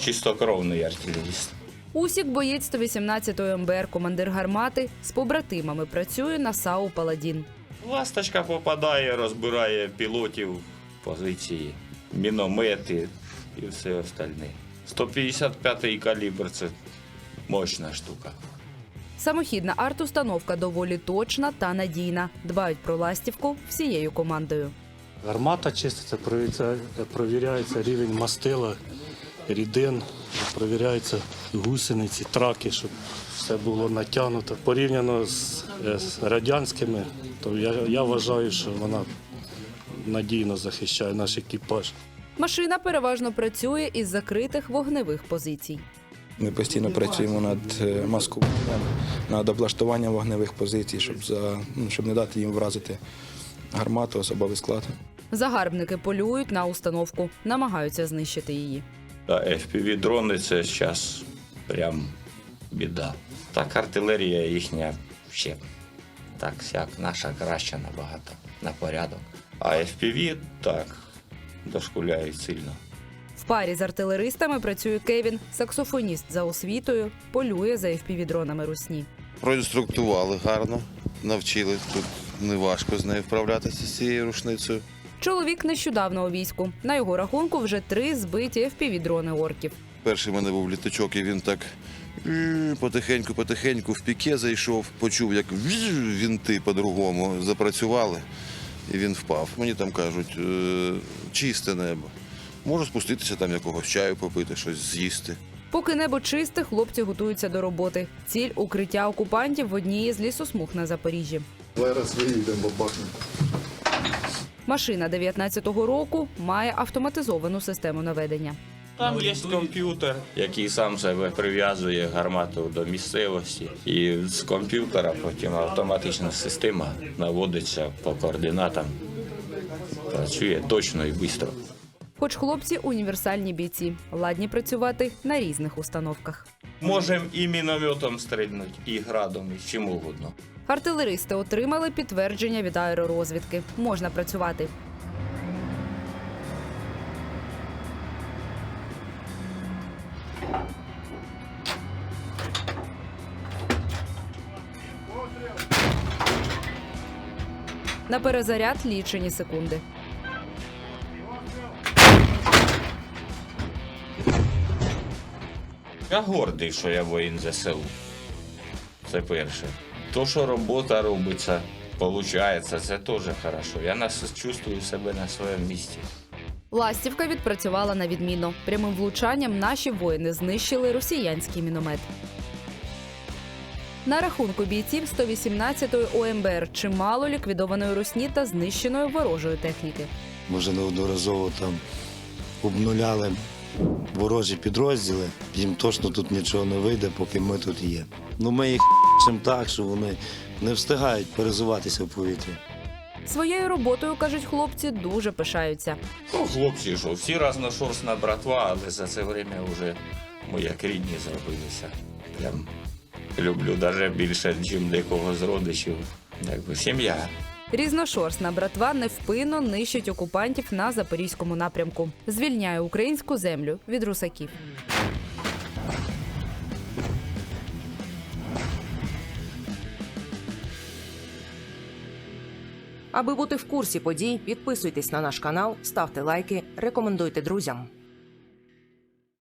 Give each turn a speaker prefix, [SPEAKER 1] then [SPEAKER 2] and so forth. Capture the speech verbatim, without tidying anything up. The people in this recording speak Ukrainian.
[SPEAKER 1] чистокровний артилеріст.
[SPEAKER 2] Усік – боєць сто вісімнадцятої ем бе ер, командир гармати, з побратимами працює на САУ «Паладін».
[SPEAKER 1] Ласточка попадає, розбирає пілотів, позиції, міномети і все остальне. сто п'ятдесят п'ятий калібр – це мощна штука.
[SPEAKER 2] Самохідна арт-установка доволі точна та надійна. Дбають про ластівку всією командою.
[SPEAKER 3] Гармата чиститься, провіряється, провіряється рівень мастила, рідин, провіряються гусениці, траки, щоб все було натягнуто. Порівняно з, з радянськими, то я, я вважаю, що вона надійно захищає наш екіпаж.
[SPEAKER 2] Машина переважно працює із закритих вогневих позицій.
[SPEAKER 4] Ми постійно працюємо над маскуванням, над облаштуванням вогневих позицій, щоб, за, ну, щоб не дати їм вразити гармату, особовий склад.
[SPEAKER 2] Загарбники полюють на установку, намагаються знищити її.
[SPEAKER 1] Та еф пі ві-дрони – це зараз прям біда. Так артилерія їхня ще так-сяк, наша краща набагато, на порядок. А еф пі ві так, дошкуляють сильно.
[SPEAKER 2] В парі з артилеристами працює Кевін, саксофоніст за освітою, полює за еф пі ві-дронами русні.
[SPEAKER 5] Проінструктували гарно, навчили. Тут неважко з нею вправлятися, з цією рушницею.
[SPEAKER 2] Чоловік нещодавно у війську. На його рахунку вже три збиті еф пі ві-дрони орків.
[SPEAKER 5] Перший в мене був літачок, і він так потихеньку-потихеньку в піке зайшов, почув, як вінти по-другому запрацювали, і він впав. Мені там кажуть, чисте небо. Можу спуститися, там якогось чаю попити, щось з'їсти.
[SPEAKER 2] Поки небо чисте, хлопці готуються до роботи. Ціль – укриття окупантів в одній із лісосмуг на Запоріжжі.
[SPEAKER 6] Зараз виїдемо, бахнемо.
[SPEAKER 2] Машина дев'ятнадцятого року має автоматизовану систему наведення.
[SPEAKER 1] Там є комп'ютер, який сам себе прив'язує гармату до місцевості. І з комп'ютера потім автоматична система наводиться по координатам. Працює точно і швидко.
[SPEAKER 2] Хоч хлопці – універсальні бійці, ладні працювати на різних установках.
[SPEAKER 1] Можемо і мінометом стрільнути, і градом, і чим угодно.
[SPEAKER 2] Артилеристи отримали підтвердження від аеророзвідки. Можна працювати. На перезаряд лічені секунди.
[SPEAKER 1] Я гордий, що я воїн зе се у. Це перше. То, що робота робиться, виходить, це теж хорошо. Я нас чувствую себе на своєму місці.
[SPEAKER 2] Ластівка відпрацювала на відмінно. Прямим влучанням наші воїни знищили росіянський міномет. На рахунку бійців сто вісімнадцятої о ем бе ер чимало ліквідованої русні та знищеної ворожої техніки.
[SPEAKER 7] Ми вже неодноразово там обнуляли ворожі підрозділи. Їм точно тут нічого не вийде, поки ми тут є. Ну, ми їх ***ем так, що вони не встигають перезуватися в повітрі.
[SPEAKER 2] Своєю роботою, кажуть хлопці, дуже пишаються.
[SPEAKER 1] Ну, хлопці, що всі разношорстна братва, але за це время вже ми як рідні зробилися. Прям люблю навіть більше, ніж декого з родичів. Якби сім'я.
[SPEAKER 2] Різношорстна братва невпинно нищить окупантів на Запорізькому напрямку. Звільняє українську землю від русаків.
[SPEAKER 8] Аби бути в курсі подій, підписуйтесь на наш канал, ставте лайки, рекомендуйте друзям.